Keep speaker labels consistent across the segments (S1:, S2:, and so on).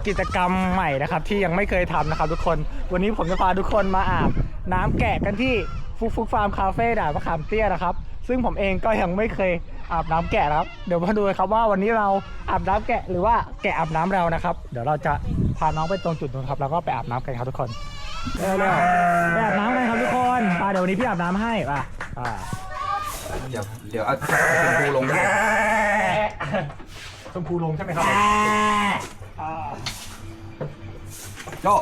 S1: กิจกรรมใหม่นะครับที่ยังไม่เคยทำนะครับทุกคนวันนี้ผมจะพาทุกคนมาอาบน้ำแกะกันที่ฟุกฟาร์มคาเฟ่ด่านมะขามเตี้ยนะครับซึ่งผมเองก็ยังไม่เคยอาบน้ำแกะนะครับเดี๋ยวมาดูครับว่าวันนี้เราอาบน้ำแกะหรือว่าแกะอาบน้ำเรานะครับเดี๋ยวเราจะพาน้องไปตรงจุดนู้นครับแล้วก็ไปอาบน้ำกันครับทุกคนเร็วๆไปอาบน้ำกันครับทุกคนเดี๋ยววันนี้พี่อาบน้ำให้
S2: เดี๋ยวเอาชมพูลงด้วย
S1: ชมพูลงใช่ไหมครับ
S2: โจ้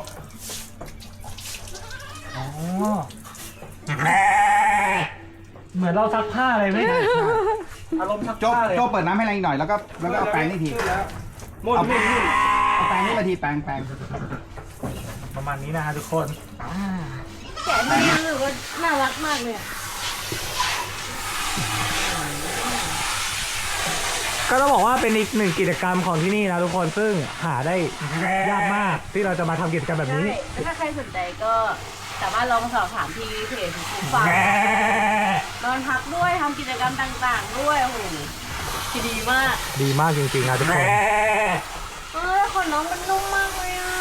S1: เหมือนเราซักผ้าเลยไหมอารมณ์ซัก
S2: โจ้
S1: ผ้าเลย
S2: โจ้เปิดน้ำให้แรงอีกหน่อยแล้วก็เอาแปรงนี่ทีเอาแปรงนี่มาทีแปรง
S1: ประมาณนี้นะฮะทุกคน
S3: แกะที่นี่รู้สึกว่าน่ารักมากเลย
S1: ก็ต้องบอกว่าเป็นอีกหนึ่งกิจกรรมของที่นี่นะทุกคนซึ่งหาได้ยากมากที่เราจะมาทำกิจกรรมแบบนี้
S3: ถ้าใครสนใจก็สามารถลองสอบถามที่เพจของคุณฟังนอนพักด้วยทำกิจกรรมต่างๆด้วยโอ้โหดีมาก
S1: ดีมากจริงๆนะทุกคน
S3: ขนน้องมันนุ่มมากเลยอ่ะ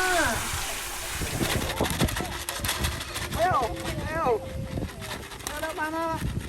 S3: เร็วมา